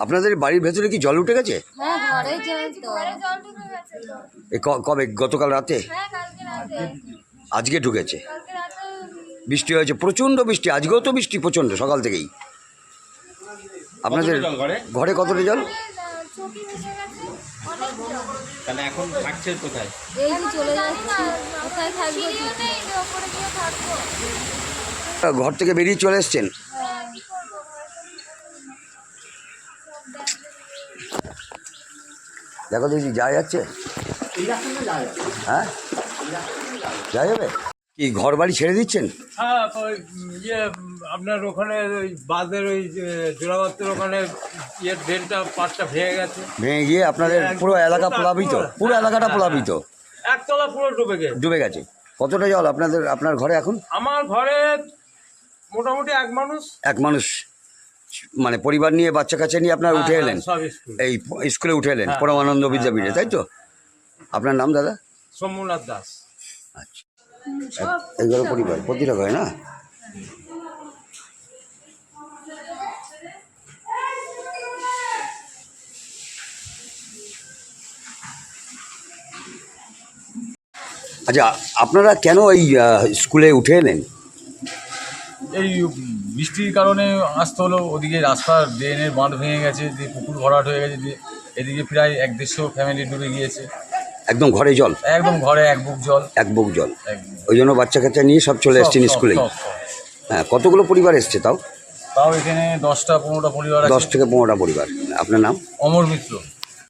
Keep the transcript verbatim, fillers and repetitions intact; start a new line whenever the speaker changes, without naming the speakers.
আপনাদের বাড়ির ভেতরে কি জল উঠে গেছে?
হ্যাঁ, ঘরে জল তো।
ঘরে জল ঢুকে গেছে তো।
এ ক- কবে? গতকাল রাতে?
হ্যাঁ, কালকে রাতে।
আজকে ঢুকেছে?
কালকে রাতে
বৃষ্টি হয়েছে, প্রচণ্ড বৃষ্টি। আজকেও তো বৃষ্টি প্রচণ্ড সকাল থেকেই। আপনাদের ঘরে কতটা জল?
চকি ভেসে গেছে, অনেক জল।
তাহলে এখন থাকছেন কোথায়?
এই যে চলে যাচ্ছি, কোথায় থাকবো?
সিঁড়িও নেই যে ওপরে গিয়ে থাকবো।
ঘর থেকে বেরিয়ে চলে এসছেন?
হ্যাঁ, কি করবো?
দেখো দেখি যাওয়া যাচ্ছে? হ্যাঁ, যাওয়া যাবে কি? ঘর বাড়ি ছেড়ে দিচ্ছেন?
হ্যাঁ, ওই ইয়ে আপনার ওখানে ওই বাঁধের ওই জোড়াবাতের ওখানে ইয়ে ড্রেনটা পাটটা ভেঙে গেছে,
ভেঙে গিয়ে আপনাদের পুরো এলাকা প্লাবিত, পুরো এলাকাটা প্লাবিত,
একতলা পুরো ডুবে গেছে।
ডুবে গেছে। কতটা জল আপনাদের আপনার ঘরে এখন?
আমার ঘরে মোটামুটি এক মানুষ।
এক মানুষ মানে পরিবার নিয়ে, বাচ্চা কাচ্চা নিয়ে আপনার উঠে এলেন?
সব স্কুল।
এই স্কুলে উঠে এলেন
হ্যাঁ।
পরমানন্দ বিদ্যাপীঠে, তাই তো? আপনার নাম দাদা?
সোমনাথ দাস।
আচ্ছা, এগুলো পরিবার প্রতিটা ঘরে না? আচ্ছা, আপনারা কেন এই আহ, স্কুলে উঠে এলেন?
এই বৃষ্টির কারণে আসতে হলো। ওদিকে রাস্তার ড্রেনের বাঁধ ভেঙে গেছে, দিয়ে পুকুর ভরাট হয়ে গেছে, দিয়ে এদিকে প্রায় এক দেড়শো ফ্যামিলি ডুবে গিয়েছে।
একদম ঘরে জল?
একদম ঘরে এক বুক জল।
এক বুক জল।
একদম।
ওই জন্য বাচ্চা কাচ্চা নিয়ে সব চলে
সব,
এসছেন
সব,
স্কুলে?
সব, সব।
হ্যাঁ, কতগুলো পরিবার এসছে তাও?
তাও এখানে দশটা পনেরোটা পরিবার
দশ
আছে।
থেকে পনেরোটা পরিবার। আপনার নাম?
অমর মিত্র।